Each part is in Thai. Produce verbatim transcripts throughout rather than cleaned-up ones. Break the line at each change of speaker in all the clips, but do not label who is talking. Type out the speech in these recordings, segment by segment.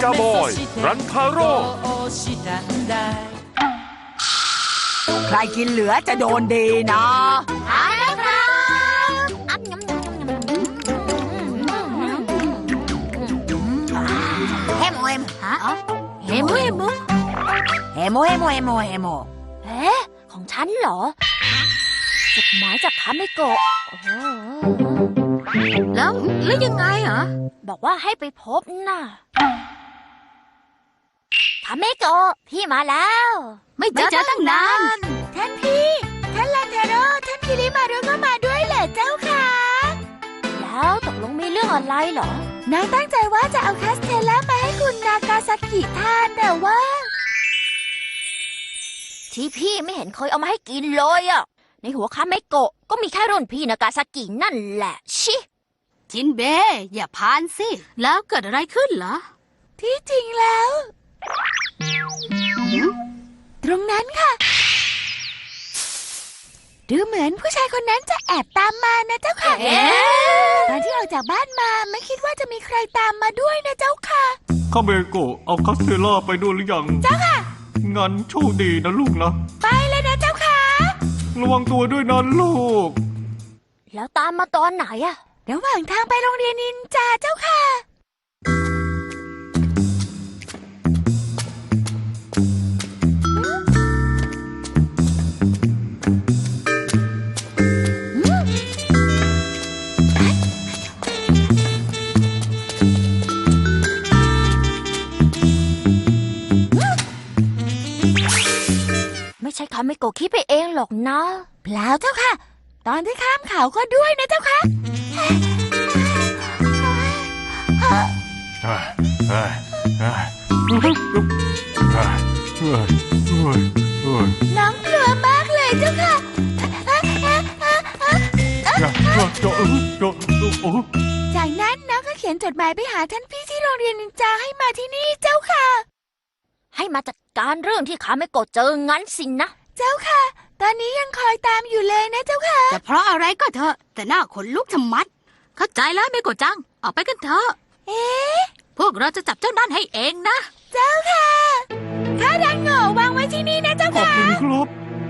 กาบอยรันทาโร่
ใครกินเหลือจะโดนดีนะ
ทานแล้วครับเฮโมเฮโมฮะเฮโมเฮโม
เฮโมเฮโมเฮโมเฮโม
เอ๊ะของฉันเหรอจดหมายจากคาเมโกะแล้วแล้วยังไงเหรอบอกว่าให้ไปพบน่ะคาเมโกะพี่มาแล้วไม่เจอตั้งนานท่านพี่ท่านลันเทโร่ท่านคิริมารุก็มาด้วยเหรอเจ้าค่ะแล้วตกลงมีเรื่องอะไรเหรอนายตั้งใจว่าจะเอาคาสเทลล่ามาให้คุณนากาซากิทานแต่ว่าที่พี่ไม่เห็นเคยเอามาให้กินเลยอ่ะในหัวคาเมโกะก็มีแค่รุ่นพี่นากาซากินั่นแหละชิ
จินเบอย่าพานสิแล้วเกิดอะไรขึ้นเหรอ
ที่จริงแล้วตรงนั้นค่ะดูเหมือนผู้ชายคนนั้นจะแอบตามมานะเจ้าค่ะตอนที่ออกจากบ้านมาไม่คิดว่าจะมีใครตามมาด้วยนะเจ้าค่ะ
คาเมโกะเอาคาสเทล่าไปด้วยหรือยัง
เจ้าค่ะ
งั้นโชคดีนะลูกนะ
ไปเลยนะเจ้าค่ะ
ระวังตัวด้วยนะลูก
แล้วตามมาตอนไหนอะระหว่างทางไปโรงเรียนนินจาเจ้าค่ะไม่ใช่คาเมโกะคิดไปเองหรอกนะเปล่าเจ้าค่ะตอนที่ข้ามเขาก็ด้วยนะเจ้าค่ะน้องกลัวมากเลยเจ้าค่ะจากนั้นน้องก็เขียนจดหมายไปหาท่านพี่ที่โรงเรียนนินจาให้มาที่นี่เจ้าค่ะให้มาจัดการเรื่องที่คาเมโกะเจองั้นสินะเจ้าค่ะตอนนี้ยังคอยตามอยู่เลยนะเจ้าค่ะ
จะเพราะอะไรก็เถอะแต่หน้าขนลุกชะมัดเข้าใจแล้วเมโกะจังออกไปกันเถอะ
เอ๊ะ
พวกเราจะจับเจ้านั่นให้เองนะ
เจ้าค่ะข้าดันโง่วางไว้ที่นี่นะเจ้าค่ะ
ขอบคุณครับ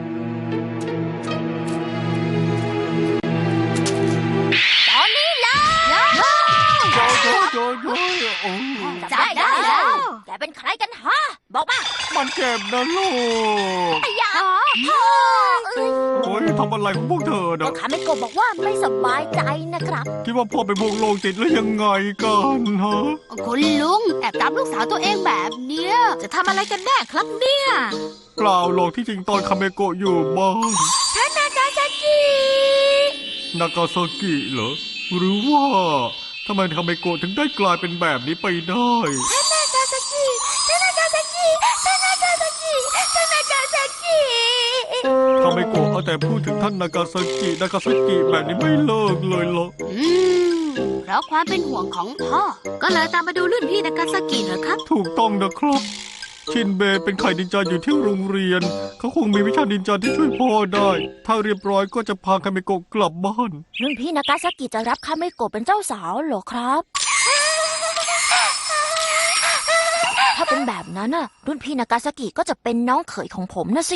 ตอนนี้แล้ว
จอยจอยจอยจอยโอ้
จับได้แล้วแกเป็นใครกันฮะบอกมา
มันเจ็บนะลูก
อย่าพ่อ
โอ้ยทำอะไรของพวกเธอเนะ
คาเมโกะบอกว่าไม่สบายใจนะครับ
คิดว่าพ่อเป็นพวกโรคจิตหรือยังไงกันฮะ
คุณลุงแอบตามลูกสาวตัวเองแบบเนี้ยจะทำอะไรกันแน่ครับเนี่ย
เปล่าหรอกที่จริงตอนคาเมโกะอยู่บ้าน
ท่านนากาซากิ
นากาซากิเหรอหรือว่าทำไมคาเมโกะถึงได้กลายเป็นแบบนี้ไปได้
ท่านนากาซากิท่านนากาซากิท่านนากาซากิท่านนากาซากิ
คาเมโกะเอาแต่พูดถึงท่านนากาซากินากาซากิแบบนี้ไม่เลิกเลยหรอก
อืมเพราะความเป็นห่วงของพ่อก็เลยตามมาดูรุ่นพี่นากาซากิเหรอครับ
ถูกต้องนะครับชินเบเป็นไข่นินจาอยู่ที่โรงเรียนเขาคงมีวิชานินจาที่ช่วยพ่อได้ถ้าเรียบร้อยก็จะพาคาเมโกะกลับบ้าน
รุ่นพี่นากาซากิจะรับคาเมโกะเป็นเจ้าสาวเหรอครับถ้าเป็นแบบนั้นน่ะรุ่นพี่นากาซากิก็จะเป็นน้องเขยของผมนะสิ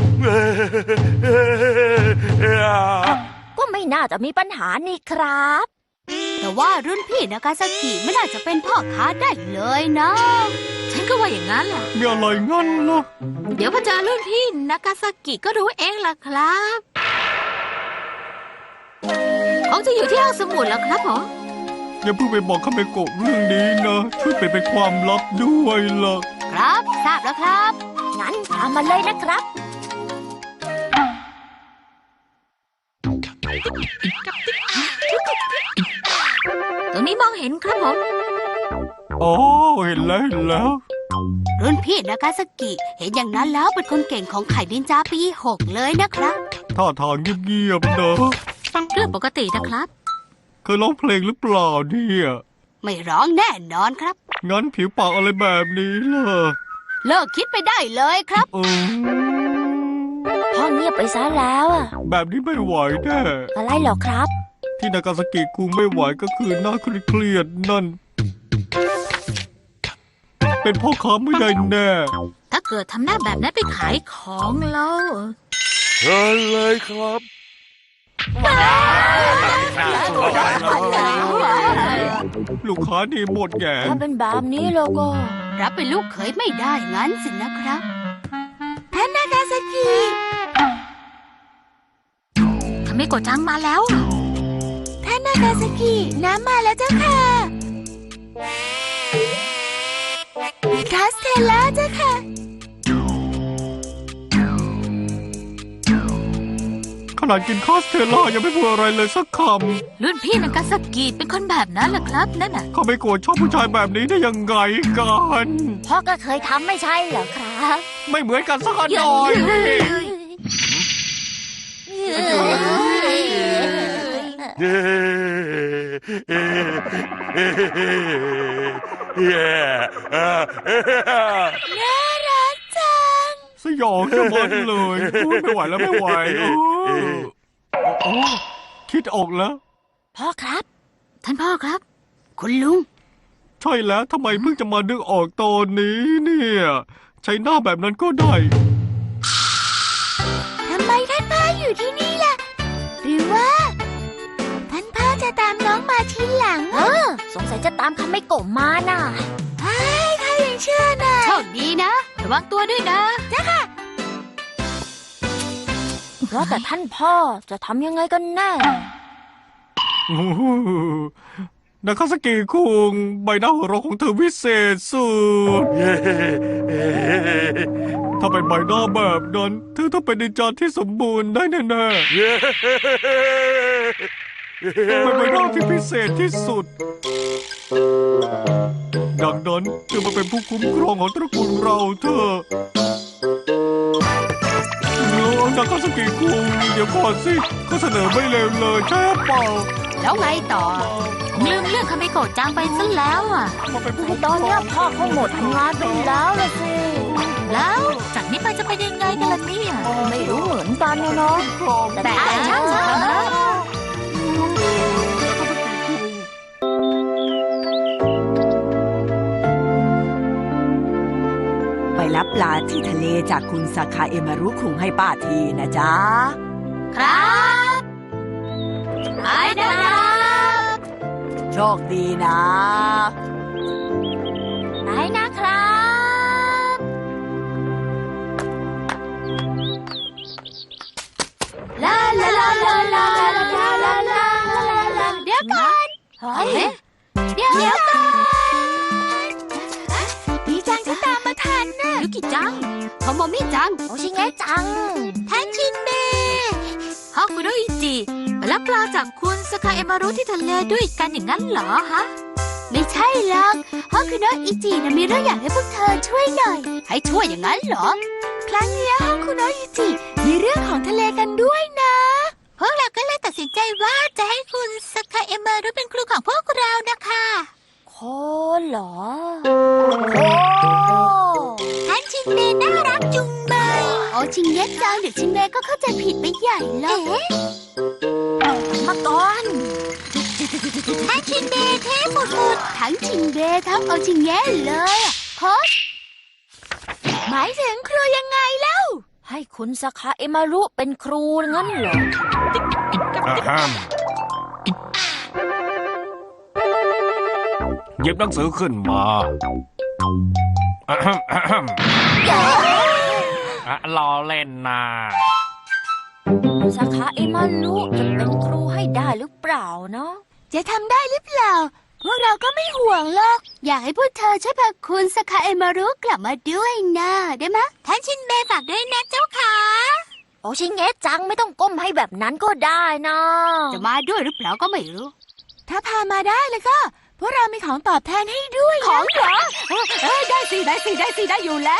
ก็ไม่น่าจะมีปัญหานี่ครับ
แต่ว่ารุ่นพี่นากาซากิไม่น่าจะเป็นพ่อค้าได้เลยนะฉันก็ว่าอย่างนั้นแหละ
มีอะไรงั้นล่ะ
เดี๋ยวพอเจอรุ่นพี่นากาซากิก็รู้เองล่ะครับคงจะอยู่ที่ห้องสมุดแล้วครับผม
อย่าเพิ่งไปบอกคาเมโกะเรื่องนี้นะช่วยไปเป็นความลับด้วยล่ะ
ครับทราบแล้วครับ
งั้นตามมาเลยนะครับ
ตรงนี้มองเห็นครับผม
อ๋อเห็นแล้วเห็นแล้ว
รุ่นพี่นากาซากิเห็นอย่างนั้นแล้วเป็นคนเก่งของไข่ดินจาปีหกเลยนะครับ
ท่าทางเงียบๆนะ
เรื่องปกตินะครับ
เคยร้องเพลงหรือเปล่าเนี่ย
ไม่ร้องแน่นอนครับ
งั้นผิวปากอะไรแบบนี้ล่ะ
เลิกคิดไปได้เลยครับ
เออ
พ่อเงียบไปซะแล้วอ่ะ
แบบนี้ไม่ไหวแน่
อะไรหรอครับ
ที่นากาซากิคุงไม่ไหวก็คือหน้าเครียดนั่นเป็นพ่อค้าไม่ได้แน่
ถ้าเกิดทำหน้าแบบนั้นไปขายของแล้ว
เชิญเลยครับ
ลูกค้านี่หมดแก่
ถ้าเป็นแบบนี้เราก็
รับเป็นลูกเขยไม่ได้งั้นสินะครับ
ท่านนากาซากิ
ทำไมโกจังมาแล้วอะ
ท่านนากาซากิน้ำมาแล้วเจ้าค่ะคาสเทลล่าเจ้าค่ะ
ขนาดกินคาสเทลล่ายังไม่พูดอะไรเลยสักค
รุ่นพี่นากาซากิเป็นคนแบบนั้นเหรอครับนั่นน่ะ
ำเขาไม่โกรธชอบผู้ชายแบบนี้ได้ยังไงกัน
พ่อก็เคยทำไม่ใช่เหรอครับ
ไม่เหมือนกันสักหน่อย
เย้เย้อ่า
น่ารักจัง
สยองจะหมดเลยพูดไม่ไหวแล้วไม่ไหวเออโอ้คิดออกแล้ว
พ่อครับ
ท่านพ่อครับ คุณลุง
ใช่แล้วทำไมเพิ่งจะมานึกออกตอนนี้เนี่ยใช้หน้าแบบนั้นก็ได้
ทำไมท่านพ่ออยู่ที่นี่ล่ะ หรือว่า ท่านพ่อจะตามน้องมาทีหลังเออสงสัยจะตามคำไม่โกะมาน่ะเฮ้ยข้ายังเชื่อน่ะ
โชคดีนะ ระวังตัวด้วยนะ
เพราะแต่ท่านพ่อจะทำยังไงกันแน่
นาคาสกิคุงใบหน้าหัวเราะของเธอวิเศษสุด
เย้
ถ้าเป็นใบหน้าแบบนั้นเธอต้องเป็นนินจาที่สมบูรณ์ได้แน่
เย้
ๆเป็นใบหน้าที่พิเศษที่สุด ดังนั้นเธอมาเป็นผู้คุ้มครองของตระกูลเราเถอะแล้วนาคาสกิคุงเดี๋ยวก่อนสิก็เสนอไม่เลวเลยใช่เปล่า
แล้วไงต่อผมลืมเรื่องคาเมโกะจังไปซะแล้วอ่ะ
มาเป็นผู้
ไอ
คุ้ม
ตอน
คร
เนี้
อย ง
พ่อคงหมดงานไปแล้วละสิ
แล้วจากนี้ไปจะเป็นยังไงกันล่ะเนี่ย
ไม่รู้เหมือนกันนะเนาะ
ครอง
แต่ช่างเถอะไปรับปลาที่ทะเลจากคุณสาคาเอมารุคุงให้ป้าทีนะจ๊ะ
ครับไปนะครับ
โชคดีนะไปนะครับ
ลาลาลาลาลาลาลาลาลาลาเดี๋ยวก่อน
เฮ้ย
เอ๊ะเดี๋ยวก่อน
ดีจังที่ตามมาทันน่ะ
ยุกิจังโทโมมิจัง
โอชิเงะจัง ท่านชินเบะ
ฮอกคุโดอิจิไปรับปลาจากคุณสกาเอมารุที่ทะเลด้วยกันอย่างนั้นเหรอฮะ ไม่ใช่หรอกฮอกคุโดอิจินะมีเรื่องอยากให้พวกเธอช่วยหน่อย ให้ช่วยอย่างนั้นเหรอ
ครั้งนี้ฮอกคุโนะอิจิมีเรื่องของทะเลกันด้วยนะพวกเราก็เลยตัดสินใจว่าจะให้คุณสกาเอมารุเป็นครูของพวกเรานะคะโคเหรอโคท่านชินเบะน่ารักจุงเบย
โอชิงเงะจังเดี๋ยวชิงเมก็เข้าใจผิดไปใหญ่เลย
มาก่อนท่านชินเบะเทฟุดฟุด
ทั้งชิงเบทั้งโอชิงเงะเลยอะโค้ช
หมายถึงครูยังไงเล่าให้คุณสกาเอมารุเป็นครูงั้นเหรอ
อ่าฮะ
หยิบหนังสือขึ้นมา
อ่าฮะอ่าฮะ
อ่ะรอเล่นนะ
สาขาเอมารุจะเป็นครูให้ได้หรือเปล่าเนาะจะทำได้หรือเปล่า พวกเราก็ไม่ห่วงหรอก
อยากให้พวกเธอช่วยพาคุณสกาเอมารุกลับมาด้วยนะได้ไหม
ท่านชินเบะฝากด้วยนะเจ้าค่ะโอชิเงะจังไม่ต้องก้มให้แบบนั้นก็ได้นะ
จะมาด้วยหรือเปล่าก็ไม่รู้
ถ้าพามาได้แล้วก็พวกเรามีของตอบแทนให้ด้วยของเหรอเอ้ยได้สิได้สิได้สิได้อยู่แล้ว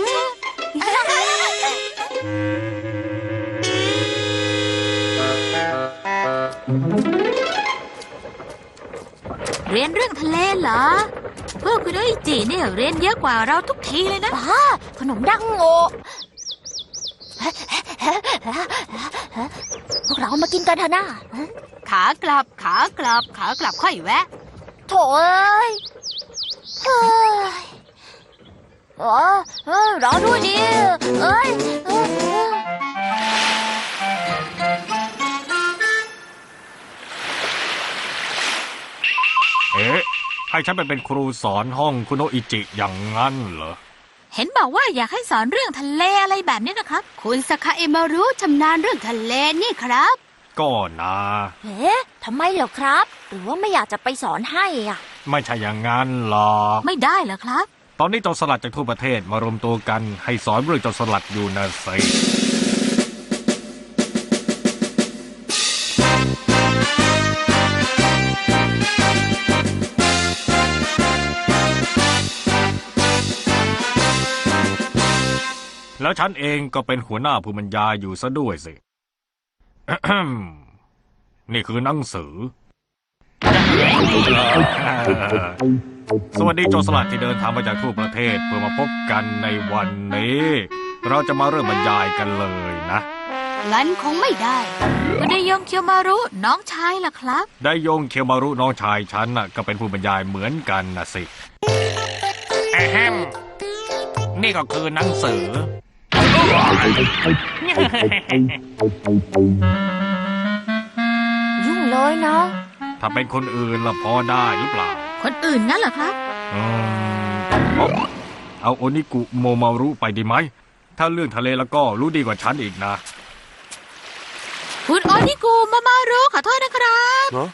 เรียนเรื่องทะเลเหรอ พวกคุณโดอิจิเนี่ยเรียนเยอะกว่าเราทุกทีเลยนะ
บ้าขนมดังโงพวกเรามากินกันเถอะนะ
ขากลับขากลับขากลับค่อยแวะ
โถ่เอ้ยเฮ้ยเออเออรอด้วยดิเอ้ยเออเออ
เอ๊ะให้ฉันไปเป็นครูสอนห้องคุโนะอิจิอย่างงั้นเหรอ
เห็นบอกว่าอยากให้สอนเรื่องทะเลอะไรแบบนี้นะครับ คุณสคาเอมารุชำนาญเรื่องทะเลนี่ครับ
ก็นะ
เอ๊ะทำไมเหรอครับ หรือว่าไม่อยากจะไปสอนให้อ่ะ
ไม่ใช่อย่างงั้นหรอก
ไม่ได้เหรอครับ
ตอนนี้โจรสลัดจากทั่วประเทศมารวมตัวกันให้สอนเรื่องโจรสลัดอยู่นะสิแล้วฉันเองก็เป็นหัวหน้าผู้บรรยายอยู่ซะด้วยสิ นี่คือหนังสือ สวัสดีโจรสลัดที่เดินทางมาจากทั่วประเทศเพื่อมาพบกันในวันนี้ เราจะมาเริ่มบรรยายกันเลยนะ
งั้นคงไม่ได้คุณไดยงเคียวมารุน้องชายล่ะครับ
ได้ยงเคียวมารุน้องชายฉันน่ะก็เป็นผู้บรรยายเหมือนกันนะสิแอมนี่ก็คือหนังสือ
ยุ่งเลยเนาะ
ถ้าเป็นคนอื่นละพอได้หรือเปล่า
คนอื่นงั้นเหรอครับ
อืมเอาเอาโอนิกุโมมารุไปดีไหม ถ้าเรื่องทะเลแล้วก็รู้ดีกว่าฉันอีกนะ
คุณโอนิกุมามารุขอโทษนะครับ
เนาะ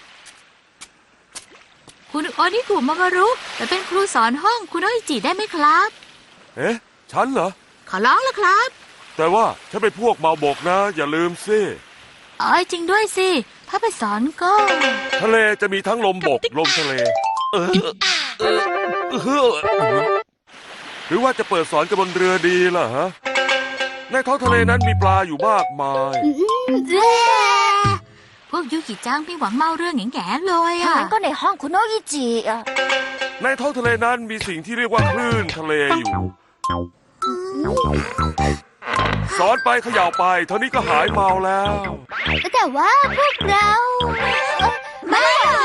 คุณโอนิกุมามารุแต่เป็นครูสอนห้องคุณโออิจิได้ไหมครับ
เอ๊ะ ฉันเหรอ
ขอร้องละครับ
แต่ว่าฉันเป็นพวกเมาบกนะ อย่าลืมสิ
อ๋อจริงด้วยสิ ถ้าไปสอนก็
ทะเลจะมีทั้งลมบก ลมทะเล เออเออเออหรือว่าจะเปิดสอนกันบนเรือดีล่ะฮะ ในท้องทะเลนั้นมีปลาอยู่มากมาย
พวกยูกิจังไม่หวังเมาเรื่องแง่ๆเลย
ถ้า
อ่ะ
งั้นก็ในห้องคุณโนอิจิอ่ะ
ในท้องทะเลนั้นมีสิ่งที่เรียกว่าคลื่นทะเลอยู่ สอนไปเขย่าไปเท่านี้ก็หายเมาแล้ว
แต่ว่าพวกเราไม่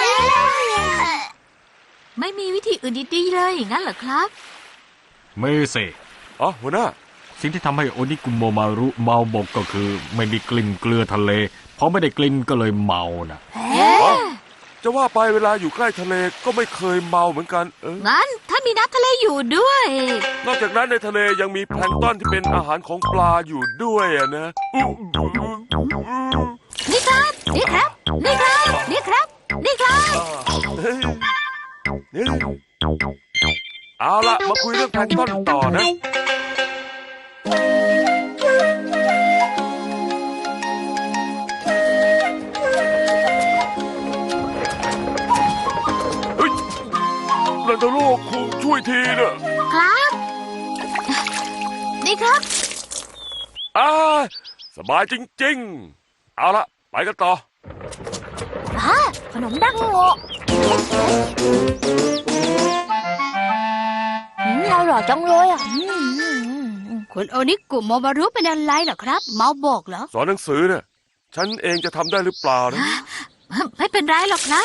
ไม่มีวิธีอื่นดีๆเลยอย่างนั้นเหรอครับ
ไม่สิ
อ๋อหัวหน้า
สิ่งที่ทำให้โอนิกุโมมารุเมาบกก็คือ ไม่มีกลิ่นเกลือทะเลเพราะไม่ได้กลิ่นก็เลยเมานะ
อ๋อ จะว่าไปเวลาอยู่ใกล้ทะเลก็ไม่เคยเมาเหมือนกัน เออ
งั้นถ้ามีน้ำทะเลอยู่ด้วย
นอกจากนั้นในทะเลยังมีแพลงก์ต้นที่เป็นอาหารของปลาอยู่ด้วยอะนะ
นี่ครับ นี่ครับ นี่ครับ นี่ครับ นี่ครับ
เฮ้ยนี่เอาละมาคุยเรื่องแพลงก์ต้นต่อนะ เฮ้ยนันทโลกคงช่วยทีเนอะ
ครับ นี่ครับ
อ่าสบายจริงๆ เอาละไปกันต่อ
อ่ะขนมดังโงะอืมอร่อยจังเลยอ่ะอืมอืมอืม
คุณโอนิกุโมมารุเป็นอะไรเหรอครับ เมาบอกเหรอ
สอนหนังสือเนี่ย ฉันเองจะทำได้หรือเปล่านะ
ไม่เป็นไรหรอกครับ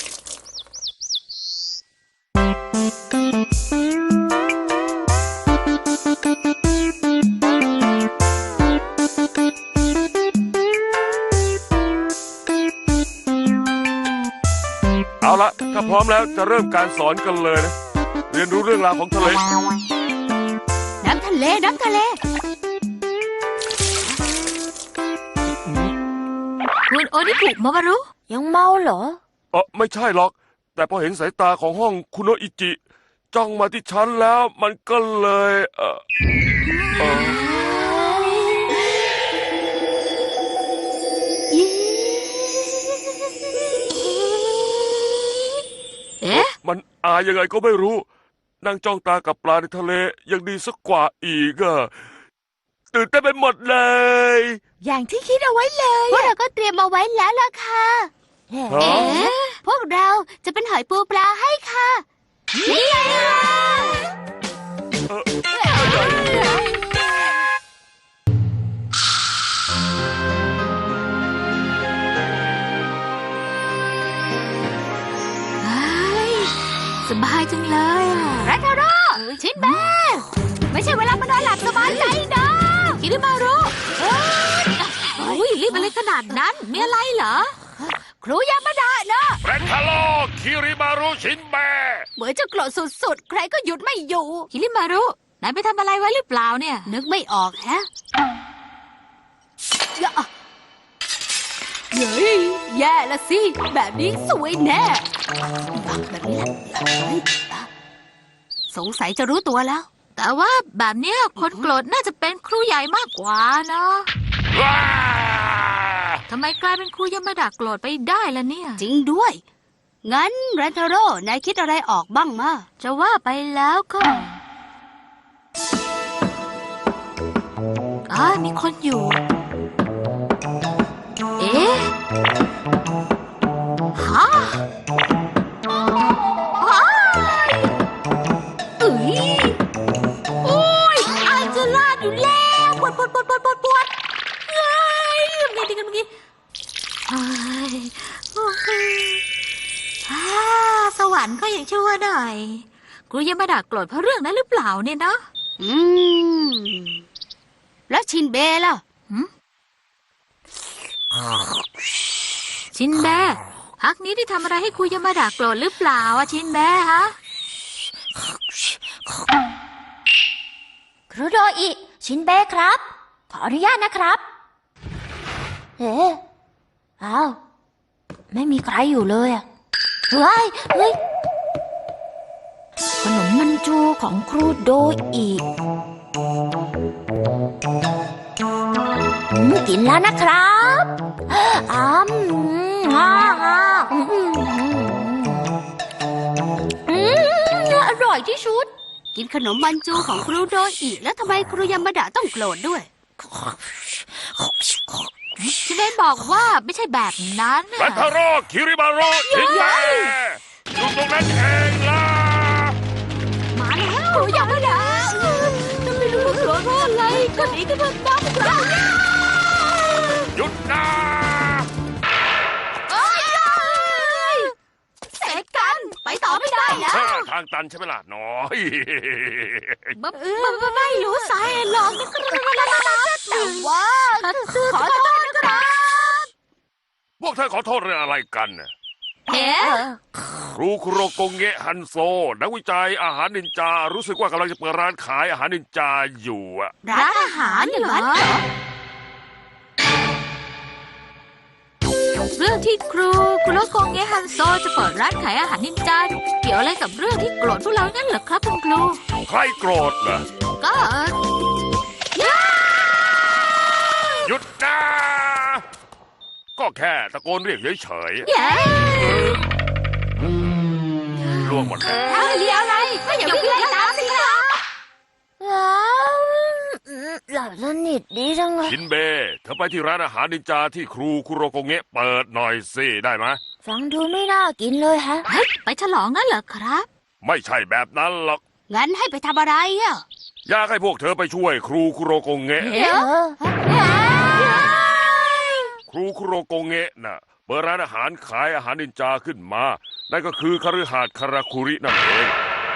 เอาละถ้าพร้อมแล้วจะเริ่มการสอนกันเลยนะ เรียนรู้เรื่องราวของทะเล
น้ำทะเล น้ำทะเล คุณโอนิกุโมมารุ
ยังเมาเหรอ
เออไม่ใช่หรอก แต่พอเห็นสายตาของห้องคุโนะอิจิ จ้องมาที่ฉันแล้วมันก็เลย เออเออ
เอ๊ะ
มันอายยังไงก็ไม่รู้ นั่งจ้องตากับปลาในทะเลยังดีสักกว่าอีกอะตื่นเต้นไปหมดเลย
อย่างที่คิดเอาไว้เลย
พวกเราก็เตรียมเอาไว้แล้วล่ะค่ะ
เอ๊ะ
ฮะ
เอ๊ะ พวกเราจะเป็นหอยปูปลาให้ค่ะ นี่ไงล่ะ เฮ้ย สบายจังเลยอ่ะรัตโรชินแบไม่ใช่เวลามานอนหลับสบายใจนะคิริมารุเฮ้ยรีบอะไรขนาดนั้นมีอะไรเหรอ ครูยามาดาเนอะ
แรนทาโลคิริมารุชินเบะ
เหมือนจะโกรธสุดๆ ใครก็หยุดไม่อยู่คิริมารุนายไปทำอะไรไว้หรือเปล่าเนี่ย นึกไม่ออกแฮะอย่าเฮ้ยแย่ละสิ แบบนี้สวยแน่แบบนี้แหละสงสัยจะรู้ตัวแล้ว แต่ว่าแบบเนี้ยคนโกรธน่าจะเป็นครูใหญ่มากกว่านะ
ว้า
ทำไมกลายเป็นครูยามาดาโกรธไปได้ล่ะเนี่ย จริงด้วย งั้นแรนเทโร่นายคิดอะไรออกบ้างมาจะว่าไปแล้วก็อ่ามีคนอยู่ เอ๊ะฮะว้ายเอ้ยโอ้ยอาจจะลาดอยู่แล้วปวดปวดปวดปวดปวดปวดเฮ้ยทำไงดีกันเมื่อกี้เฮ้ยโอ้ยอ่าสวรรค์ก็ยังชั่วหน่อยครูยังมาด่าโกรธเพราะเรื่องนั้นหรือเปล่าเนี่ยนะอืมแล้วชินเบะล่ะชินเบะพักนี้ได้ทำอะไรให้ครูยามาดาโกรธหรือเปล่าอะชินเบะฮะ
ครูโดอิชินเบะครับ ขออนุญาตนะครับ เอ๊ะอ้าวไม่มีใครอยู่เลยอะเฮ้ยเฮ้ยขนมมันจูของครูโดอิอืมกินแล้วนะครับอ้ามอ่าอ่าอืมอืมอร่อยที่สุด
กินขนมมันจูของครูโดอิแล้วทำไมครูยามาดะต้องโกรธด้วยชินเบะบอกว่าไม่ใช่แบบนั้น
แรนทาโลคิริมารุชินเบะอยู่ตรงนั้นเองล่ะ
มาแล้วครูยามาดะจะไม่รู้ว่าโกรธเพราะอะไรก็หนีกันเถอะน้องครู
หยุดนะ
เสร็จกันไปต่อไม่ได้แล้ว
เออทางตันใช่ไหมล่ะน้อย
ไม่ไม่รู้สาเหตุหรอกแต่ว่าขอโทษนะครับ
พวกเธอขอโทษเรื่องอะไรกันน่ะ
เฮ้
ครูคุโรโกงเงะฮันโซนักวิจัยอาหารนินจา รู้สึกว่ากำลังจะเปิดร้านขายอาหารนินจาอยู่อะ
ร้านอาหารเหรอเรื่องที่ครูคุโรโกงเงะฮันโซจะเปิดร้านขายอาหารนินจาเกี่ยวอะไรกับเรื่องที่โกรธพวกเรางั้นเหรอครับคุณครู
ใครโกรธเหรอ
ก็
หยุดนะ ก็แค่ตะโกนเรียกเฉย
เย้
ๆล่วงหมดแล้ว
ถ้าเรียอะไรก็อย่าวิ่งไล่ตามสิครับ
ว้าวหลับสนิทดีจังเลย
ชินเบะเธอไปที่ร้านอาหารนินจาที่ครูคุโรโกงเงะเปิดหน่อยสิได้ไหม
ฟังดูไม่น่ากินเลยฮะ
เฮ้ยไปฉลองงั้นเหรอครับ
ไม่ใช่แบบนั้นหรอก
งั้นให้ไปทำอะไรอ่ะ
อยากให้พวกเธอไปช่วยครูคุโรโกงเงะ
เออ
ครูคุโรโกงเงะน่ะเปิดร้านอาหารขายอาหารนินจาขึ้นมานั่นก็คือคฤหาสน์คาราคุรินั่นเอง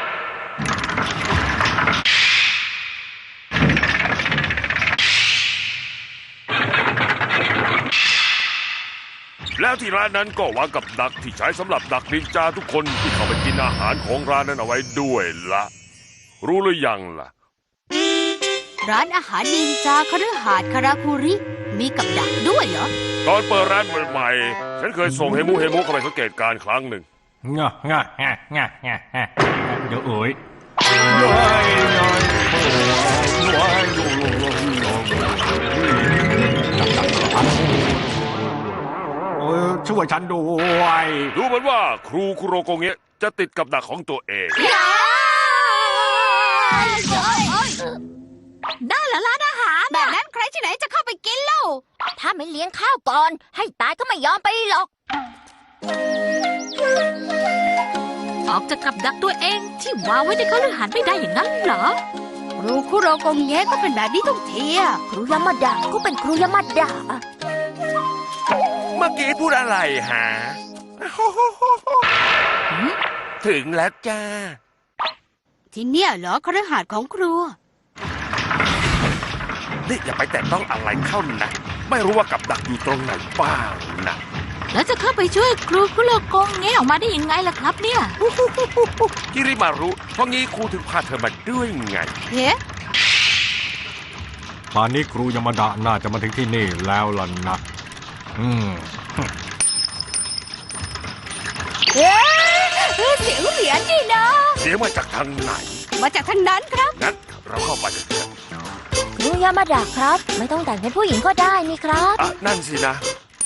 แล้วที่ร้านนั้นก็วางกับดักที่ใช้สำหรับดักนินจาทุกคนที่เข้าไปกินอาหารของร้านนั้นเอาไว้ด้วยละรู้หรือยังล่ะ
ร้านอาหารนินจาคฤหาสน์คาราคุริมีกับดักด้วยเหรอ
ตอนเปิดร้านใหม่ๆฉันเคยส่งเฮมุเฮมุเข้าไปสังเกตการณ์ครั้งหนึ่ง
งะงะงะงะงะงะเดี๋ยวเอ๋ยน้อยน้อยน้อยโอ้ยช่วยฉันด้วย
ดูเหมือนว่าครูคุโรโกงเงะจะติดกับดักของตัวเอง
ได้เหรอร้านอาหารแบบนั้นใครที่ไหนจะเข้าไปกินเล่า
ถ้าไม่เลี้ยงข้าวก่อน ให้ตายก็ไม่ยอมไปหรอก
ออกจากกับดักตัวเองที่วางไว้ในคฤหาสน์ไม่ได้อย่างนั้นเหรอครูคุโรโกงเงะก็เป็นแบบนี้ทุกทีอะ
ครูยามาดาก็เป็นครูยามาดา
เมื่อกี้พูดอะไรฮะ ถึงแล้วจ้า
ที่เนี่ยเหรอคฤหาสน์ของครู
นี่อย่าไปแตะต้องอะไรเข้านะไม่รู้ว่ากับดักอยู่ตรงไหนบ้างนะ
แล้วจะเข้าไปช่วยครูคุโรโกงแงะออกมาได้ยังไงล่ะครับเนี่ย
คิริมารุเพราะงี้ครูถึงพาเธอมาด้วยไง
เฮ้
ป่านนี้ครูยามาดะน่าจะมาถึงที่นี่แล้วล่ะนะ อืม
เอ๊ะเสียงเหรียญนี่นะ
เสียงมาจากทางไหน
มาจากทางนั้นครับ
งั้นเราเข้าไปกันเถอะ
ครูยามาดาครับ ไม่ต้องแต่งเป็นผู้หญิงก็ได้นี่ครับ
อ่ะนั่นสินะ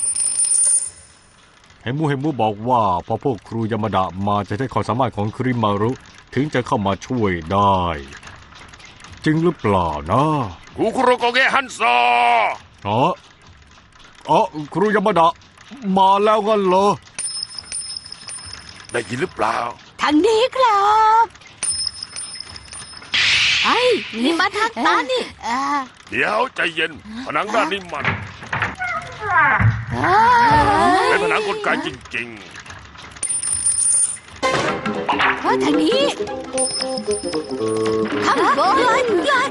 เฮมูเฮมูบอกว่าพอพวกครูยามาดะมาจะใช้ความสามารถของคริมารุถึงจะเข้ามาช่วยได้ จริงหรือเปล่านะ
ครูคุโรโกเกะฮันโซ
อ๋ออ๋อครูยามาดะมาแล้วงั้นเหรอ
ได้ยินหรือเปล่า
ทางนี้ครับ
ไอ้นี่มาทางตานี่
อ่า
เดี๋ยวใจเย็น ผนังด้านนี้มัน
อ่า
เป็นผนังกลไกจริง
เฮ้ยทางนี้ ข้างบน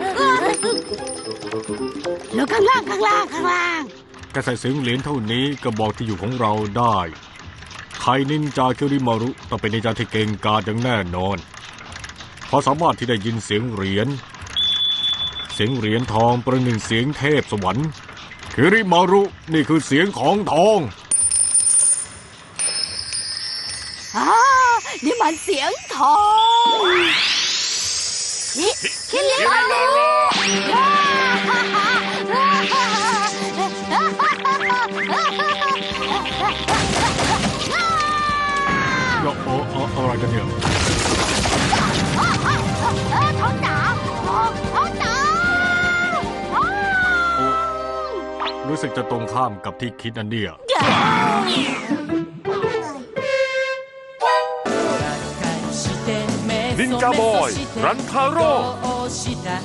แล้วข้างล่างข้างล่างข้างล่าง
แค่ใส่เสียงเหรียญเท่านี้ก็บอกที่อยู่ของเราได้ ใครนินจาคิริมารุต้องเป็นนินจาที่เก่งกาจอย่างแน่นอนเพราะสามารถที่ได้ยินเสียงเหรียญ เสียงเหรียญทองประหนึ่งเสียงเทพสวรรค์คิริมารุนี่คือเสียงของทอง
อ่านี่มันเสียงทองนี่
ๆ คิริมารุ
เดี๋ยวอ๋ออ๋ออะไรกันเนี่ย
ท้องหนาวท้องท้องหนาว
รู้สึกจะตรงข้ามกับที่คิดอันเดีย
นินจาบอย รันทาโร่